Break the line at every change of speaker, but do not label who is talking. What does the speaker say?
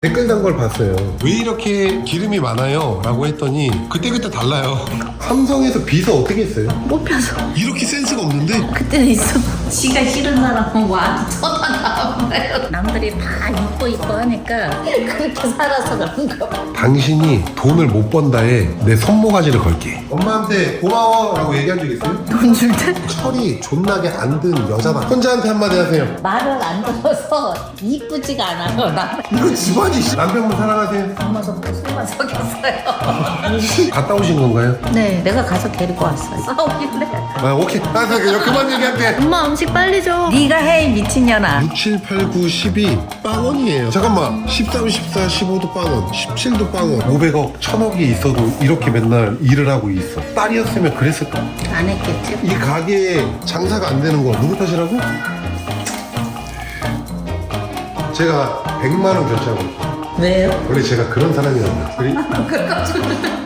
댓글 단 걸 봤어요. 왜 이렇게 기름이 많아요? 라고 했더니 그때그때 달라요. 삼성에서 비서 어떻게 했어요?
뽑혀서
이렇게 센스가 없는데?
그때는 있어. 지가 싫은 사람은 와 쳐다봐요. 남들이 다 이뻐 하니까 그렇게 살아서 그런가 봐.
당신이 돈을 못 번다에 내 손모가지를 걸게. 엄마한테 고마워 라고 얘기한 적 있어요?
돈 줄 때?
철이 존나게 안 든 여자다. 혼자한테 한마디 하세요.
말을 안 들어서 이쁘지가 않아요. 나
이거 집안이 남편분 사랑하세요.
엄마도 무슨만 속였어요.
갔다 오신 건가요?
네, 내가 가서 데리고 왔어요. 싸우길래.
아 오케이. 그만 얘기할게.
엄마 음식 빨리 줘. 네가 해 미친년아.
6, 7, 8, 9, 10이 빵원이에요. 잠깐만. 13, 14, 15도 빵원, 17도 빵원. 500억, 1000억이 있어도 이렇게 맨날 일을 하고 있어. 딸이었으면 그랬을까?
안 했겠지.
이 가게에 장사가 안 되는 거 누구 탓이라고? 제가 100만 원 결제하고 있어요.
왜요?
원래 제가 그런 사람이었는데.
그래가지고